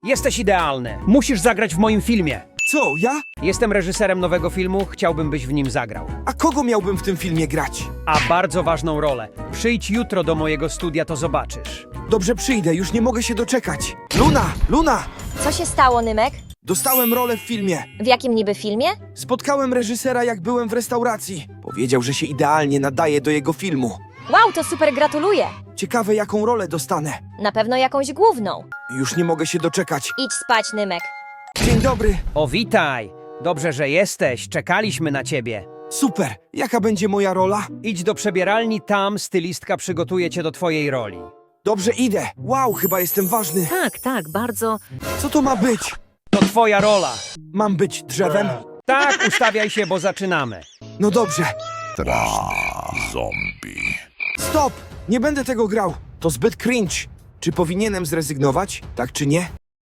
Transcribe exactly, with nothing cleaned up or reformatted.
Jesteś idealny. Musisz zagrać w moim filmie. Co, ja? Jestem reżyserem nowego filmu, chciałbym, byś w nim zagrał. A kogo miałbym w tym filmie grać? A bardzo ważną rolę. Przyjdź jutro do mojego studia, to zobaczysz. Dobrze, przyjdę, już nie mogę się doczekać. Luna, Luna! Co się stało, Nymek? Dostałem rolę w filmie. W jakim niby filmie? Spotkałem reżysera, jak byłem w restauracji. Powiedział, że się idealnie nadaje do jego filmu. Wow, to super, gratuluję! Ciekawe, jaką rolę dostanę. Na pewno jakąś główną. Już nie mogę się doczekać. Idź spać, Nymek. Dzień dobry. O, witaj. Dobrze, że jesteś. Czekaliśmy na ciebie. Super. Jaka będzie moja rola? Idź do przebieralni, tam stylistka przygotuje cię do twojej roli. Dobrze, idę. Wow, chyba jestem ważny. Tak, tak, bardzo. Co to ma być? To twoja rola. Mam być drzewem? Tak, ustawiaj się, bo zaczynamy. No dobrze. Zombie. Stop! Nie będę tego grał. To zbyt cringe. Czy powinienem zrezygnować? Tak czy nie?